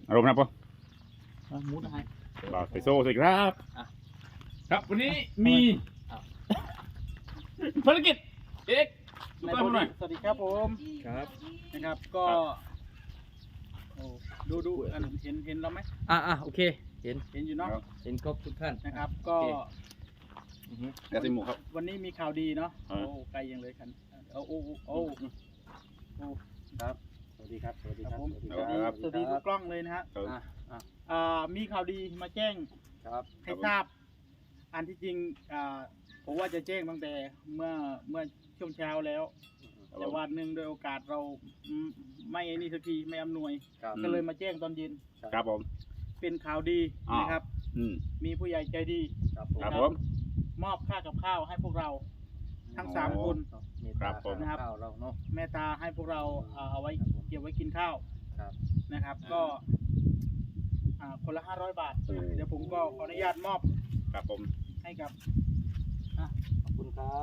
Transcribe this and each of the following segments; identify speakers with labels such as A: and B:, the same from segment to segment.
A: อารมณ์นะปะ
B: มุดให้
A: บ่าวไทโซ่สวัสดีครับครับวันนี้มีภารกิจเอกดูกล้องผมหน่อย
B: สวัสดีครับผม
C: ครับ
B: นะครับก็ดูอันเห็นเราไหม
C: โอเคเห็น
B: เห็นอยู่เนาะ
C: เห็นครบทุกท่าน
B: นะครับก็
A: แอสซิมูครับ
B: วันนี้มีข่าวดีเนาะ
A: อ่า
B: โอ้ไกลยังเลยกัน
C: ครับสวัสดีครับสวัสดี
B: ค
C: ค
B: รั
C: รั
B: บบ ผม
C: สวัสดี
B: สวัสดีทุกกล้องเลยนะฮะ มีข่าวดีมาแจ้ง
C: ครับ
B: ให้ทราบ อันที่จริงผมว่าจะแจ้งตั้งแต่เมื่อช่วงเช้าแล้ว แต่วันหนึ่งโดยโอกาสเราไม่นี่สักทีไม่อำนวย
C: ครับ
B: ก็เลยมาแจ้งตอนเย็น
A: ครับผม
B: เป็นข่าวดีนะครับ มีผู้ใหญ่ใจดี
C: ครับผม
A: ครับผม
B: มอบค่ากับข้าวให้พวกเราทั้ง
A: อ๋อ
B: 3 คน
A: ครับผม
B: นะครับ
C: ข้าวเราเนาะ
B: แม่ตาให้พวกเราเอาไว้เก็บไว้กินข้าว
C: ครับ
B: นะครับ ก็คนละ500 บาท เดี๋ยวผมก็ขออนุญาตมอบ
A: ครับผม
B: ให้กับ
C: ขอบคุณครับ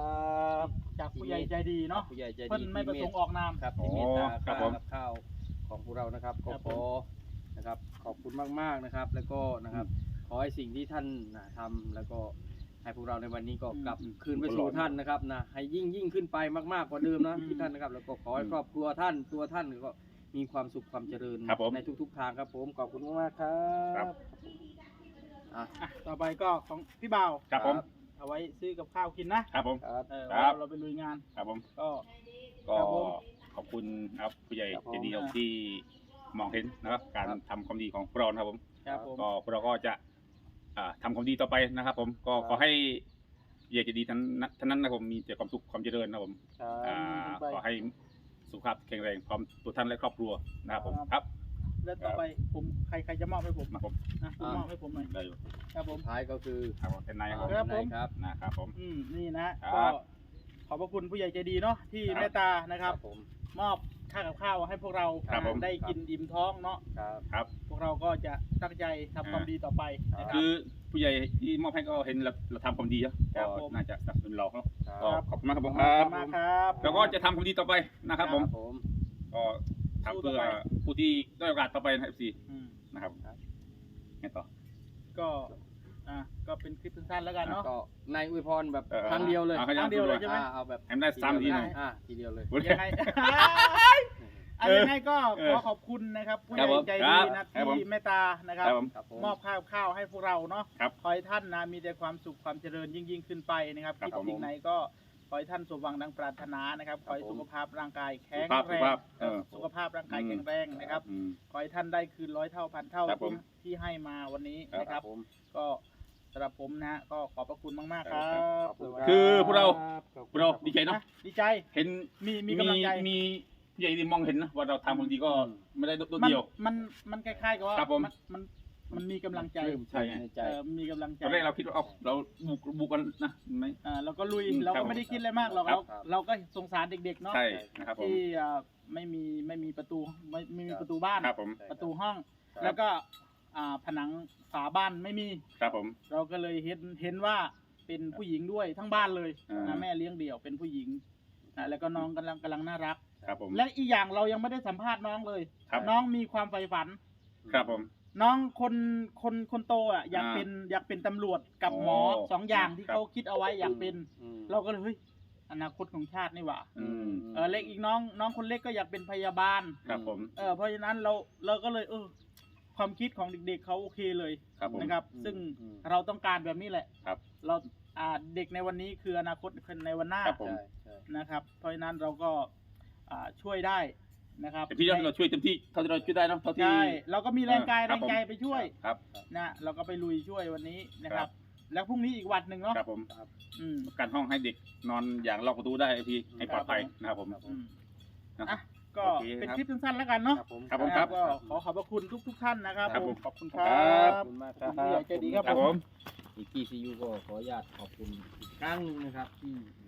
B: จากผู้ใหญ่ใจดีเนาะ
C: ผู้ใหญ่ใจดี
B: เพิ่นไม่ประสงค์ออกนาม
C: ครับที่เมตตา
A: ครับผม
C: ข้าวของพวกเรานะครับก็
B: ครับ
C: ขอนะครับขอบคุณมากๆนะครับ แล้วก็นะครับขอให้สิ่งที่ท่านทำแล้วก็ให้พวกเราในวันนี้ก็กลับคืนไปสู่ท่านนะครับนะให้ยิ่งขึ้นไปมากๆกว่าเดิมนะที่ท่านนะครับ แล้วก็ขอให้ครอบครัวท่านตัวท่านก็มีความสุขความเจริญ
A: ครับผม
C: ในทุกๆทางครับผมขอบคุณมากๆครั
A: ครับ
C: บ
B: ต่อไปก็ของพี่บ่าว
A: ครับผม
B: เอาไว้ซื้อกับข้าวกินนะครับ
A: ผม
C: ครับ
A: ครับ
B: เราไปลุยงาน
A: ครับผม
B: ก็
A: ก็
B: ครับผม
A: ขอบคุณครับผู้ใหญ่
C: ครับผม
A: ใจดีครับที่มองเห็นนะครับ การทำความดีของพวกเรานะครับผม
B: ครับผม
A: ก็พวกเราก็จะทำความดีต่อไปนะครับ ผมก็ขอให้ผู้ใหญ่ใจดีท่านนั้นนะครับผมมีแต่ความสุขความเจริญนะครับผม ขอให้สุขภาพแข็งแรงพร้อมตัวท่านและครอบครัวนะครับผมครับ
B: แล้วต่อไปผมใครจะมอบให้ผม
A: มาผม
B: คุณมอบให้ผมหน่อย
A: ได้อยู่
B: ครับผม
C: ท้ายก็คือ
A: ครับผมเป็นนายครับผม
B: ครับผม
C: ครับ
A: นะครับผม
B: นี่นะ
A: ครั
B: ก็
A: บ
B: ขอบพระคุณผู้ใหญ่ใจดีเนาะที่
A: ครับ
B: เมตตานะครับ
C: ผม
B: มอบค่ากับข้าวให้พวกเรา
A: ครับผม
B: ได้กินอิ่มท้องเนาะ
C: ครับ
A: ครับ
B: พวกเราก็จะตั้งใจทำความดีต่อไปนะครั
A: คื
B: บ
A: อผู้ใหญ่ที่มอบให้ก็เห็นเราทำความดีเยอะ
B: ครั
A: ก็
B: บผม
A: น่าจะสนับสนุนเราเนาะ
C: ครับ
A: ก็ขอบคุณมากครับผม
B: ขอบคุณมากครับ
A: แล้วก็จะทำความดีต่อไปนะครับผม
C: ผม
A: ก็ทำเพื่อผู้ที่ได้โอกาสต่อไปนะครับ FC
B: อืม
A: นะครับไงต่อ
B: ก็ก็เป็นคลิปสั้นๆแล้วกันเนาะ
C: ก็ในอวยพรแบบ
A: เออ
C: ครั้งเดียวเลย
A: เอาครั้
B: ครั้งเดียวเลยใช่ไหม
C: เอาแบบ
A: ให้มันได้3ทีหน่อย
C: ทีเดียวเลย
B: ยังไง ยังไงก็ขอขอบคุณนะครับผู้ใหญ่ใจดีนะครับ
A: ผม
B: ที่เมตตานะค
A: ค
B: รั
A: รับ บผม
C: ครับผม
B: มอบข้าวให้พวกเราเนาะ
A: ครับ
B: ขอให้ท่านนะมีแต่ความสุขความเจริญยิ่งขึ้นไปนะครับ
A: ครับ
B: คิด
A: ผม
B: สิ่งไหนก็ขอให้ท่านสมหวังดังปรารถนานะครับขอให้
C: ครับผม
B: สุขภาพร่างกายแข็ง
A: สุข
B: แรง
A: ภาพสุขภาพ
B: สุขภาพร่างกายแข็งแรงนะครับ
A: อืม
B: ขอให้ท่านได้คืน100 เท่าพันเท่า
A: ครับผม
B: ที่ให้มาวันนี้
A: ครับ
B: นะครับ
C: ผม
B: ก็สำหรับผมนะก็ขอบพระคุณมากๆครับ
A: คือพวกเรา พวกเราดีใจเนาะ
B: ดีใจ
A: เห็น
B: มีกำลังใจ
A: มีผู้ใหญ่ที่มองเห็นนะว่าเราทำความดีก็ไม่ได้โดด
B: มัน
A: เดียว
B: มันคล้ายๆกับว่า
A: ครับผม
B: มันมีกำลังใจ
C: ปลื้ม
A: ใช่ไง
C: ในใจ
B: มีกำลังใจ
A: ตอนแรกเราคิดว่าเราบุกกันนะไม่
B: เราก็ลุย
A: อืม
B: เรา
A: ครั
B: ก็
A: บ
B: ไม่ได้คิดอะไรมากหรอก
A: ครับ
B: เราก็สงสารเด็กๆเนาะ
A: ใช่นะครับผม
B: ที่ไม่มีประตูไม่มีประตูบ้าน
A: ครับผม
B: ประตูห้อง
C: ครับ
B: แล้วก็ผนังฝาบ้านไม่มี
A: ครับผม
B: เราก็เลยเห็นว่าเป็นผู้หญิงด้วยทั้งบ้านเลย
A: อ่า
B: นะแม่เลี้ยงเดี่ยวเป็นผู้หญิงแล้วก็น้องกำลังน่ารัก
A: ครับผม
B: และอีกอย่างเรายังไม่ได้สัมภาษณ์น้องเลย
A: ครับ
B: น้องมีความใฝ่ฝัน
A: ครับผม
B: น้องคนโตอ่ะอยากเป็นตำรวจกับหมอ
A: โอ้
B: 2 อย่างที่
A: ครับ
B: เขาคิดเอาไว้อยากเป็น
C: อืม
B: เราก็เลยเฮ้ยอนาคตของชาตินี่หว่า
A: อืม
B: เล็กอีกน้องคนเล็กก็อยากเป็นพยาบาล
A: ครับผม
B: เพราะฉะนั้นเราก็เลยความคิดของเด็กๆเขาโอเคเลย
A: ครับผม
B: นะครับ ซึ่ง
C: อืม
B: เราต้องการแบบนี้แหละ
A: ครับ
B: เราเด็กในวันนี้คืออนาคตในวันหน้า
A: ครับผม
C: ใช่ใช่
B: นะครับ เพราะฉะนั้นเราก็ช่วยได้นะครับ
A: แต่พี่เราช่วยเต็มที่เท่าที่เราช่วยได้เนาะเท่าที่
B: ใช่เราก็มีแรงกาย
A: ค
B: แร
A: รับ
B: ง
A: ผม
B: ใจไปช่วย
A: ครับ
B: นะเราก็ไปลุยช่วยวันนี้นะค
A: ครั
B: รับ
A: บ
B: แล้วพรุ่งนี้อีกวันหนึ่งเนาะ
A: ครับผม
B: อืม
A: การห้องให้เด็กนอนอย่างล็อกประตูได้พี่ให้ปลอดภัยนะครับผม
B: อืม
A: นะ
B: ก็
A: โอเค
B: เป็น
A: ครับ
B: คลิปสั้นๆแล้วกันเนาะ
C: ครับผม
A: ครับผม
B: นะก็ขอขอบพระคุณทุกท่านนะครับ
A: ครับ
B: ผ
A: ผม ม
B: ขอบคุณครั
A: ครับ บ
C: ขอบคุณมากค
B: ขอบ
C: รั
B: คุณผู้ใหญ่
C: บ
B: ใจดีครับ
A: ครับ
B: ผ
A: ผม ม
C: อีกกี้ซียูก็ขออนุญาตขอบคุณอีกครั้งหนึงนะครับที่